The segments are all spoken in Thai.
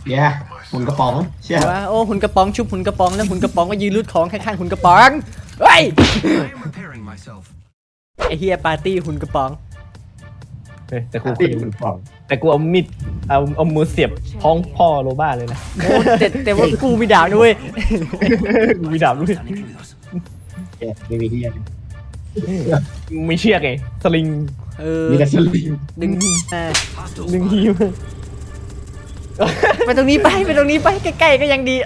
เดี๋ยวหุ่นกระป๋องเชี่ยว่าโอ้หุ่นกระป๋องชุบหุ่นกระป๋องแล้วหุ่นกระป๋องก็ยืนรูดของข้างๆหุ่นกระป๋องเฮ้ยไอเฮียปาร์ตี้หุ่นกระป๋องแต่กูตีหุ่นกระป๋องแต่กูเอามีดเอามือเสียบท้องพ่อโรบ้าเลยนะโอ้แต่ว่ากูมีดาบด้วยกูมีดาบด้วยแกไม่มีที่ยังมีเชือกไงสลิงมีแต่สลิงดึงดึงหิวไปตรงนี้ไปตรงนี้ไปใกล้ๆก็ยังดี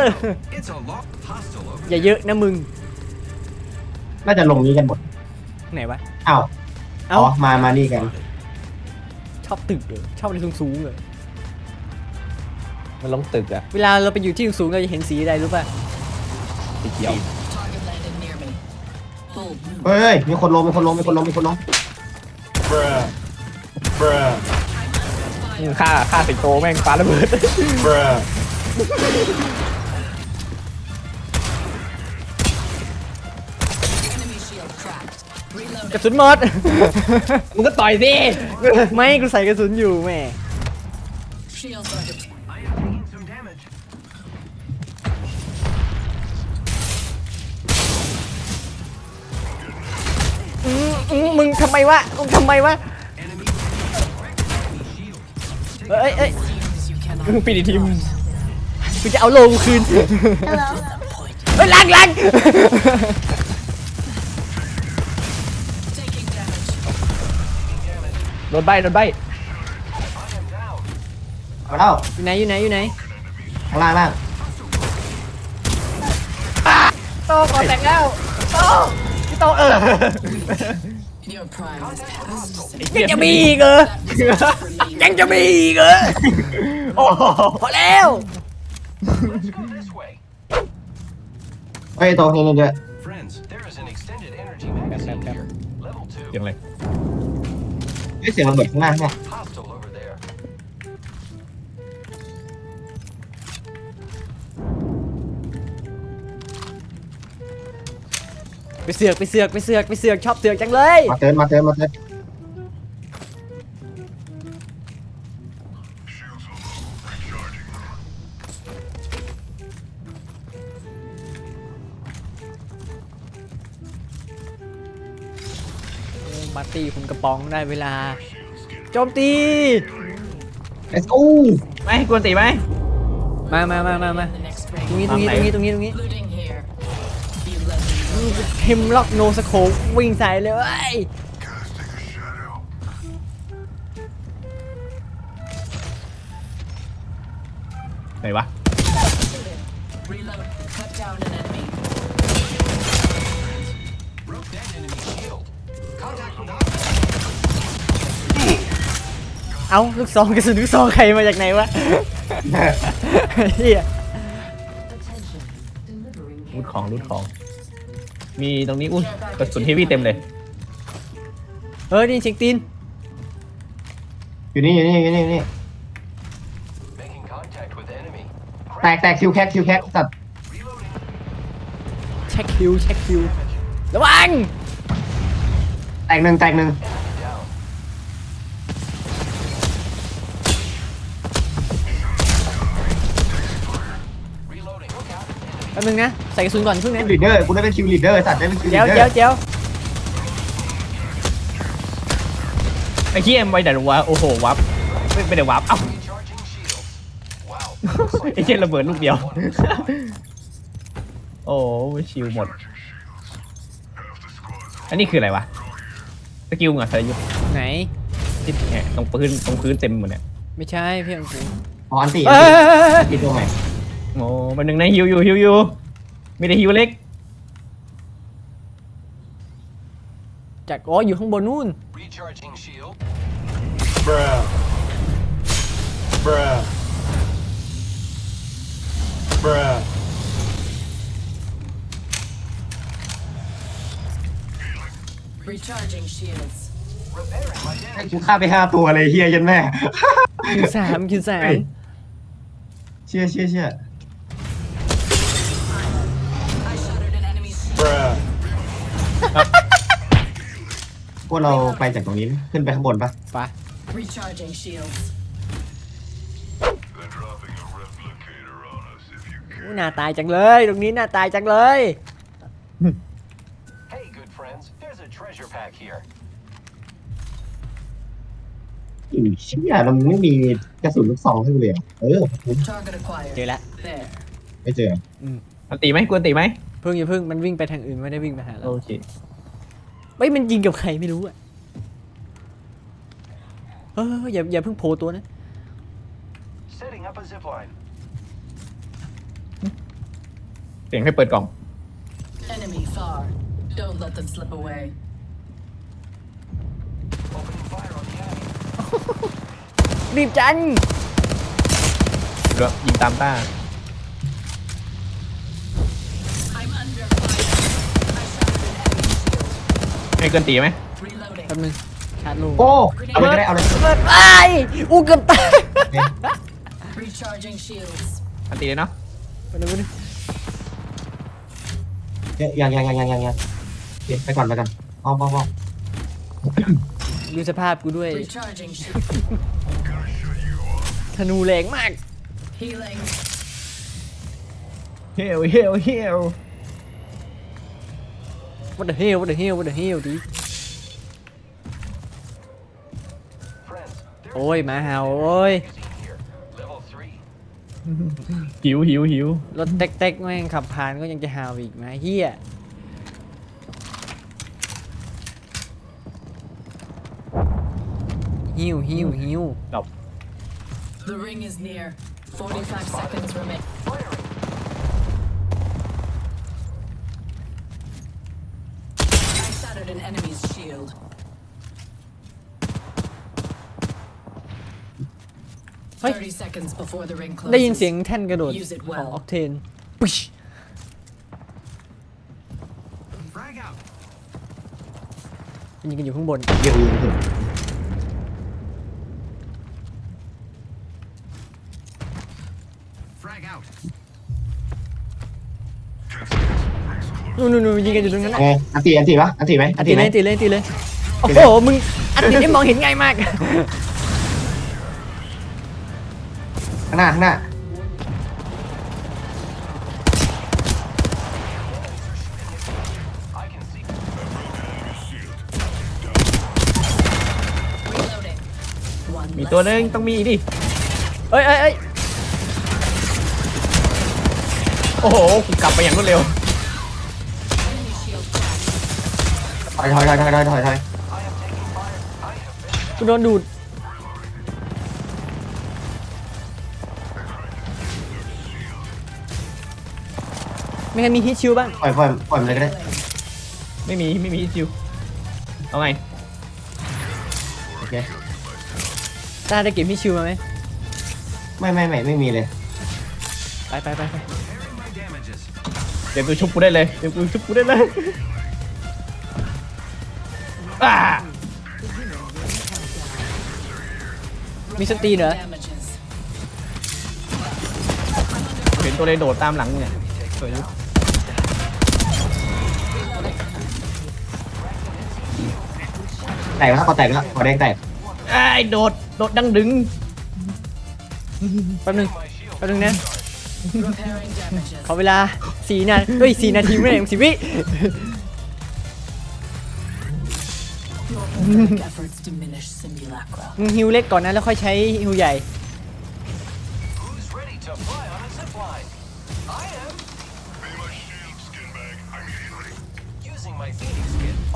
อย่าเยอะนะมึงน่าจะลงนี้กันหมดไหนวะอ้าวอ๋อมานี่กันชอบตึกเลยชอบอะไรสูงๆเลยมันลงตึกอะเวลาเราไปอยู่ที่สูงๆเราจะเห็นสีอะไรรู้ป่ะสีเขียวเฮ้ยมีคนลงฆ่าสิงโตแม่งปาระเบิดกระสุนหมดมึงก็ต่อยสิไม่กูใส่กระสุนอยู่แม่มึงทำไมวะเอ้ยปิดทีมกูจะเอาโลกูคืนเฮ้ยลังโดนใบเอาแล้วอยู่ไหนข้างล่างโตขอแต่งแล้วโตยังจะมีอีกเหรอโอ้พอแล้วเฮ้ยตัวนี้ด้วยอย่างไรเสียงระเบิดข้างล่างเนี่ยไปเสือกชอบเสือกจังเลยมาเติมปาร์ตี้คุณกระป๋องได้เวลาโจมตี let's go ไม่กวนตีไหมมาตรงนี้เฮมล็อกโนสโคปวิ่งใส่เลยไหนวะเอาลูกซองกระสุนลูกซองใครมาจากไหนวะเฮียรูดของมีตรงนี้อุ้ยกระสุนเฮฟวี่เต็มเลยนี่เช็คตีนอยู่นี่แตกคิวแคกสัตว์เช็คคิวระวังแตกหนึ่งแป๊บนึงนะใส่กระสุนก่อนเพิ่งนะคิวลีดเดอร์กูได้เป็นคิวลีดเดอร์สัตว์ได้เป็นคิวลีเดี๋ยวดเดอร์ไอ้เหี้ยมไว้ไหนวะโอ้โหวับไม่ได้วับเอ้าไอ้เหี้ยระเบิดลูกเดียวโอ้ชิวหมดอันนี้คืออะไรวะสกิลเหรอสายยุทธไหนที่เนี่ยตรงพื้นเต็มหมดเนี่ยไม่ใช่เพี่อนกูอ๋ออันตีมีตัวใหม่โอ้มันหนึ่งในฮิวอยู่มีแต่ฮิวเล็กจากอยู่ข้างบนนู่น Recharging shields. กูฆ่าไป5 ตัวเลยเฮียยันแม่คิวสามเชี่ย I shattered an enemy's shield. พวกเราไปจากตรงนี้ขึ้นไปข้างบนปะไป Recharging shields. น่าตายจังเลยตรงนี้น่าตายจังเลย Hey, good friends, there's a treasure pack here. อีเชี่ยมันไม่มีกระสุนลูกซองให้กูเลยเหรอ Target acquired. เจอละ There. ไม่เจออันตีไหมกวนตีไหมเพิ่งอย่าเพิ่งมันวิ่งไปทางอื่นไม่ได้วิ่งไปหาเราโอเคเฮ้ยมันยิงกับใครไม่รู้อ่ะอย่าเพิ่งโผล่ตัวนะ Setting up a zip line. เสียงให้เปิดกล่อง Enemy far. Don't let them slip away. Opening fire on the enemy. รีบจังเดี๋ยวยิงตามต้า I'm under fire. I shattered an enemy shield. ให้เกินตีไหม Reloading. แป๊บนึงชาร์จลูกโอ้เอาเลยก็ได้เอาเลยเปิดไปอู้เกือบตาย Recharging shields. อันตีเลยเนาะไปเลยไปเลยยังไปก่อนอ้อมดูสภาพกูด้วย Recharging shields. ธนูแรงมาก Healing. เฮล what the hellดิ Friends, there's โอ้ยหมาเห่าโอ้ย easy here. Level 3. หิวรถเต็กๆแม่งขับผ่านก็ยังจะเห่าอีกนะเฮียหิวดอก The ring is near. 45 seconds remain. I shattered an enemy's shield. เฮ้ย 30 seconds before the ring ได้ยิน closes. เสียงแท่นกระโดด Use it ข well องออกเทนปึ๊ช Frag out. ยิงกันอยู่ข้างบนเยี่ยม Frag out. นู่นยิงกันอยู่ตรงนั้นไงอันตีปะอันตีไหมตีเลยโอ้โหมึงอันนี้ได้มองเห็นง่ายมากข้างหน้า I can see. Reloading. One มี less ตัวนึง enemy. ต้องมีดิเอ้ยโอ้โหกูกลับไปอย่างรวดเร็ว Enemy shield cracked. ถอย I am taking fire. I have been กูโดนดูดไม่เคยมีฮิตชิลบ้างปล่อยมันเลยก็ได้ไม่มีจิวเอาไงโอเคตาได้เก็บฮิตชิลมาไหมไม่มีเลยไป repairing my damages. เดี๋ยวกูชุบกูได้เลยอ่ามีสตีนเหรอ Damages. เห็นตัวเลยโดดตามหลังเนี่ยสวยแตกแล้วขอแดงแตกไอ้โดดดังดึงแป๊บนึงนะ Repairing damages. ขอเวลา4 นาที4 นาทีไม่ได้10 วิ Your pathetic efforts diminish simulacra. มึงฮิวเล็กก่อนนะแล้วค่อยใช้ฮิวใหญ่ Who's ready to fly on a zip line? I am. Using my Phoenix kit. โอ้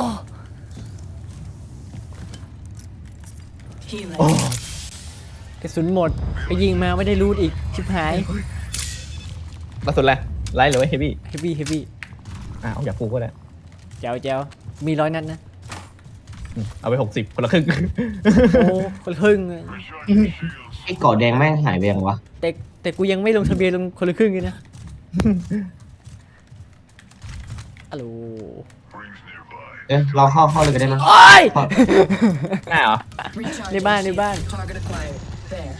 Healing. กระสุนหมดไปยิงมาไม่ได้รูดอีกชิบหายกระสุนอะไรไลท์หรือว่าเฮฟวี่เฮฟวี่เอาอยากปูก็ได้แจ๋วมี100 นัดนะเอาไป60คนละครึ่งโอ้คนละครึ่งอะไอ้เกาะแดงแม่งหายไปยังวะแต่กูยังไม่ลงทะเบียนลงคนละครึ่งเลยนะฮัลโหลเราเข้าเลยก็ได้มั้งโอ้ยได้เหรอ Recharging ในบ้าน shield. Target acquired. There.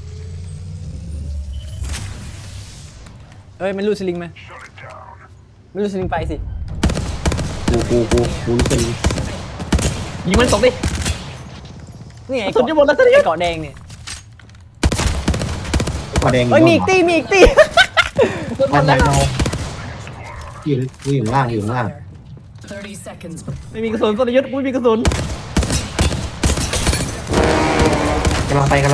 เอ้ยมันรูดสลิงมาไม่รูดสลิงไปสิกูรู้สึกยิงมันตกดินี่ไงกระสุนจะหมดแล้วตอนนี้ไอ้เกาะแดงเนี่ยเกาะแดงเอ้ยมีอีกตีบ้านไหนเราอยู่ข้างล่างอยู่ข้างล่าง 30 seconds. ไม่มีกระสุนสรยุทธ์กูไม่มีกระสุนกำลังไป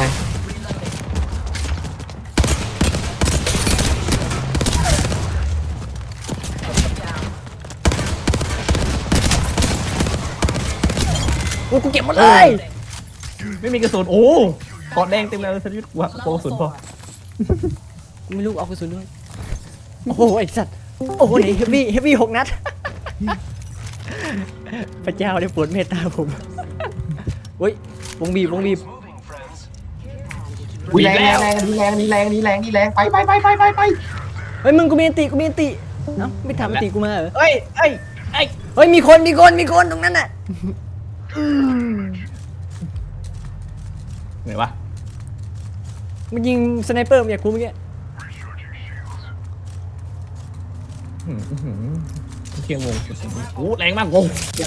โอ้กูเก็บหมดเลยไม่มีกระสุนโอ้กอดแดงเต็มเลยสรยุทธ์กูอะกระสุนพอกูไม่รู้เอากระสุนด้วยโอ้โหไอ้สัตว์โอ้โหนี่เฮฟวี่6 นัดพระเจ้าได้โปรดเมตตาผมเฮ้ยวงบีบ Moving, friends. อุ้ยแรงไปเฮ้ยมึงกูมีอันติเอ้าไม่ทำอันติกูมาเหรอเอ้ยเฮ้ยมีคนตรงนั้นน่ะไหนวะมันยิงสไนเปอร์มาจากกูเมื่อกี้เที่ยงวงโอ้แรงมากวง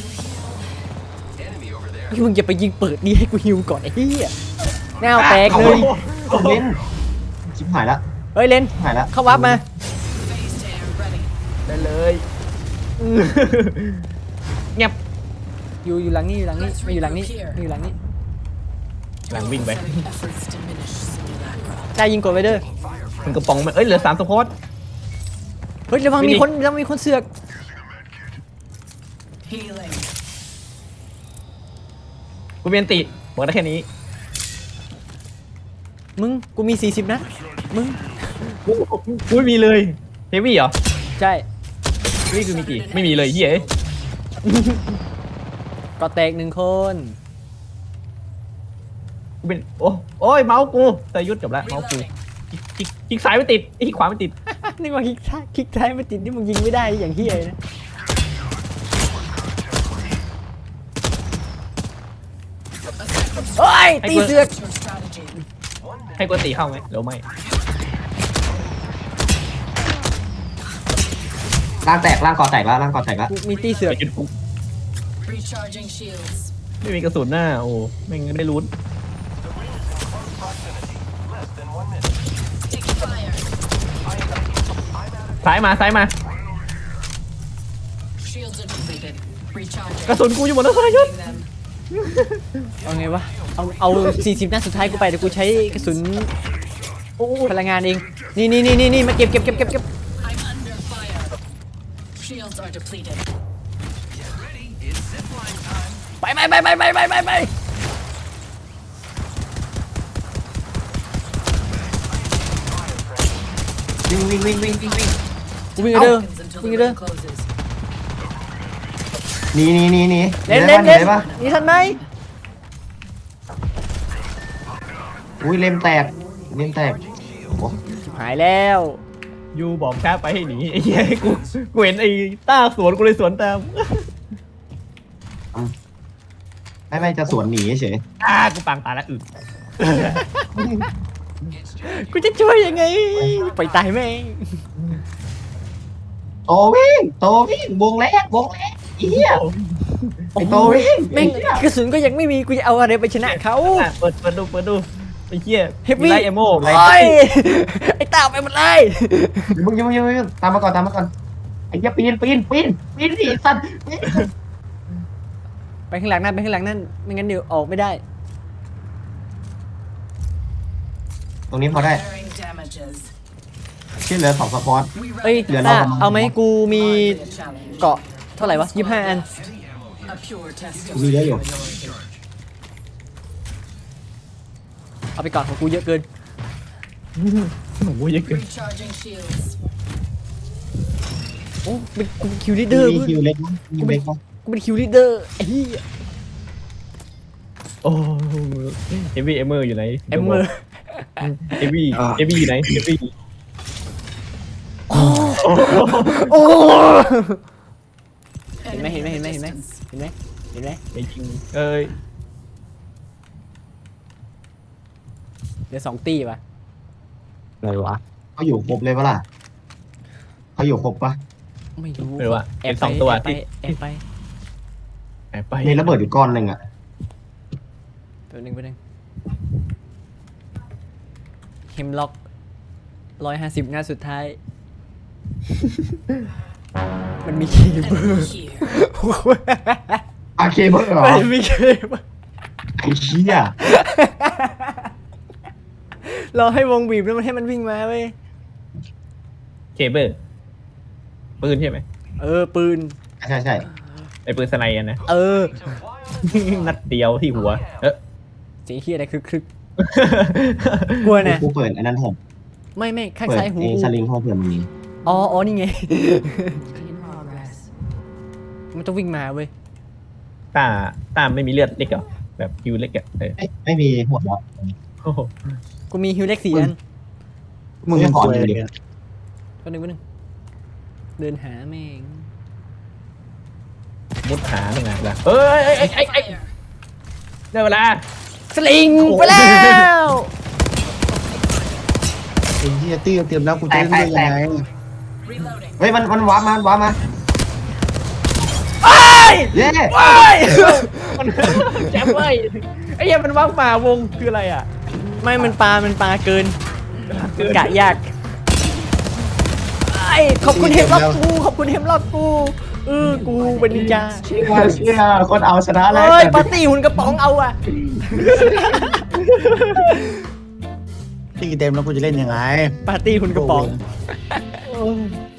เฮ้ยมึงอย่าไปยิงเปิดดีให้กูฮิวก่อนไอ้เหี้ยแนวแตกเลยเล่นชิบหายละเฮ้ยเลนหายละเข้าวับมา Phase tear ready. ได้เลยเงียบอยู่หลังนี่ไม่อยู่หลังนี่หลังนี่หลังวิ่งไป Setting efforts diminish simulacra. กล้ายิงกดไว้เด้อมันกระป๋องมันเอ้ยเหลือ3สปอร์ตเฮ้ยระวังมีคนเสือก Healing. กูเบียนติบอกได้แค่นี้มึงกูมี40 นัดมึงกูไม่มีเลยเฮฟวี่เหรอใช่เฮฟวี่คือมีกี่ไม่มีเลยเฮียเอ้ยก็แตก1 คนกูเป็นโอ้ยเมาส์กูแต่ยุดจบแล้วเมาส์กูคลิกซ้ายไม่ติดคลิกขวาไม่ติดนึกว่าคลิกซ้ายไม่ติดที่มึงยิงไม่ได้อย่างเหี้ยเลยนะโอ้ยตีเสือก Your strategy. ให้กูตีเข้าไหมหรือไม่ร่างแตกร่างก่อแตกแล้วกูมีตีเสือกแต่ยุดกู Recharging shields. ไม่มีกระสุนหน้าโอ้ไม่งั้นไม่รู้ Less than 1 minute. Taking fire. ซ้ายมา Shields are depleted. Recharging. กระสุนกูอยู่หมดแล้วสรยุทธ์ Them. เอาไงวะเอา40 นัดสุดท้ายกูไปแต่กูใช้กระสุนพลังงานเองนี่มาเก็บ I'm under fire. Shields are depleted. ไปวิ่งกูวิ่งเด้อ Seconds until วิ่ง the เด้อ ring closes. หนีเล่นได้ปะนี่ทันไหมอุ้ยเล่มแตกโอ้โหหายแล้วยูบอกช้าไปให้หนีไอ้เหี้ยกูเห็นไอ้ต้าสวนกูเลยสวนตามไม่จะสวนหนีเฉยกูปังตายแล้วอึกูจะช่วยยังไงไปตายแม่งโตวิ่งวงแรกเหี้ยไอ้โตวิ่งแม่งกระสุนก็ยังไม่มีกูจะเอาอะไรไปชนะเขาเปิดดูไอ้เหี้ยเฮฟวี่ไลท์เอโม่โอ้ยไอ้ตาไปหมดเลยมึงตามมาก่อนไอ้เหี้ยปีนดิสัตว์ไปข้างหลังนั่นไม่งั้นเดี๋ยวออกไม่ได้ตรงนี้พอได้ Bearing damages. ที่เหลือ2สปอร์ต We เอ้ยเหลือต้าเราเอาไหมกูมี a challenge. เกาะเท่าไหร่วะ25 อัน A pure test of มีเยอะอยู่เอาไปก่อนของกูเยอะเกินโอ้ยเยอะเกิน recharging shields. โอ้เป็นกูเป็นคิวลีดเดอร์มีคิวเล็กมั้ยมีเล็กมั้ยกูเป็นคิวลีดเดอร์ไอ้เหี้ยโอ้เฮฟวี่เอเมอร์อยู่ไหนเอมเมอร์เฮฟวี่อยู่ไหนเฮฟวี่โอ้ เห็นไหม Enemy เห็นไหม resistance. ไอ้จริงเอ้ยเหลือ2 ตีป่ะอะไรวะเขาอยู่ครบเลยปะล่ะเขาอยู่ครบปะไม่รู้ไม่รู้ว่าแอเป็บนไป 2 ตัวที่แอบไปไปมีระเบิดอยู่ก้อนหนึ่งอะแป๊บนึงเฮมล็อก 150 นัดสุดท้าย มันมีเคเบิล Enemy here. อาเคเบิลเหรอมันมีเคเบิลไอ้เชี่ยรอให้วงบีบแล้วมันให้มันวิ่งมาเว้ยเคเบิลปืนใช่ไหมปืนใช่ใช่ไอ้ปืนสไนด์อะนะ To fly on a นัดเดียวที่หัวเสียงเฮียอะไรคึกกลัวนะกูเปิดอันนั้นผมไม่ข้างเปิดซ้ายหูไอ้สลิงของเผื่อมีอ๋อนี่ไง In progress. มันต้องวิ่งมาเว้ยตาไม่มีเลือดเล็กเหรอแบบคิวเล็กอะไม่มีหัวแล้วโอ้โหกูมีฮิวเล็ก4 อันมึงจะขอดูดิก็นึงเดินหาแม่งมุดหาหนึ่งไงล่ะเอ้ย Fire. ได้เวลาสลิงไปแล้วไอ้เหี้ยตี้เตรียมแล้วกูจะเล่นได้ยังไง Reloading. เฮ้ยมันวาร์ปมาเย้มันแจ๊บเว้ยไอ้เหี้ยมันว่างมาวงคืออะไรอ่ะไม่มันปลาเกินกะยากไอ้ขอบคุณเฮมล็อกกูขอบคุณเฮมล็อกกูกูเป็นนินจาเชี่ยคนเอาชนะแล้วเฮ้ยปาร์ตี้หุ่นกระป๋องเอาอะตี้เต็มแล้วกูจะเล่นยังไงปาร์ตี้หุ่นกระป๋องโอ้ย